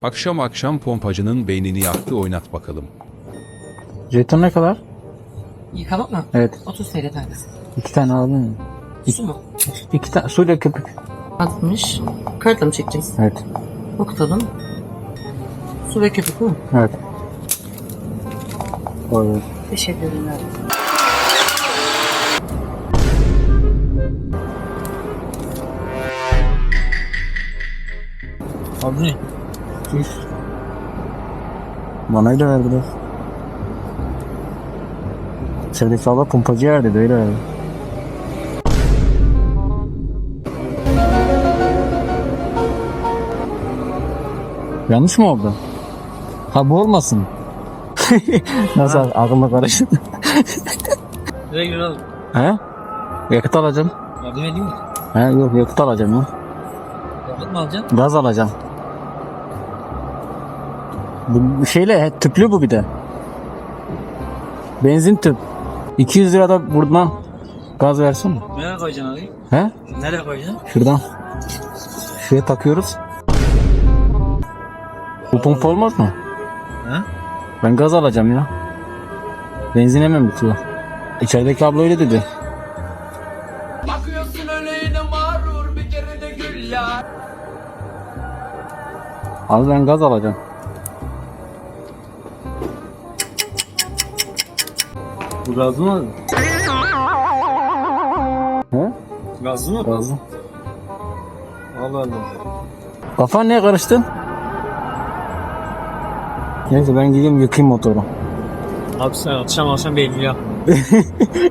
Akşam akşam pompacının beynini yaktı, oynat bakalım. Jeton ne kadar? Yıkamak mı? Evet. 30 TL tanesi. 2 tane aldın mı? Su mu? 2 tane suyla köpük. 60. Kartla mı çekeceğiz? Evet. Okutalım. Su ve köpük mü? Evet. Doğru. Teşekkür ederim. Abi ne? Üf. Bana öyle verdi biraz. Sevdeki abla pompacı yer dedi, öyle verdi. Yanlış mı oldu? Ha bu olmasın. Nasıl aklımda karıştı? Nereye girelim? He? Yakıt alacağım. Yardım edeyim mi? He yok, yakıt alacağım ya. Yakıt mı alacaksın? Gaz alacağım. Bu şeyle tüplü bu bir de. Benzin tüp. 200 lira da buradan gaz versin mi? Nereye koyacaksın abi? He? Nereye koyacaksın? Şuradan. Şuraya takıyoruz. Bu pompa olmaz mı? He? Ben gaz alacağım ya. Benzin hemen bitiyor. İçerideki abla öyle dedi. Bakıyorsun öyle yine mağrur bir kere de güller. Abi ben gaz alacağım. Bu gazlı mı? He? Gazlı mı? Gazlı. Allah Allah. Kafan niye karıştın? Neyse ben gideyim yıkayayım motoru. Abi sen akşam belli ya.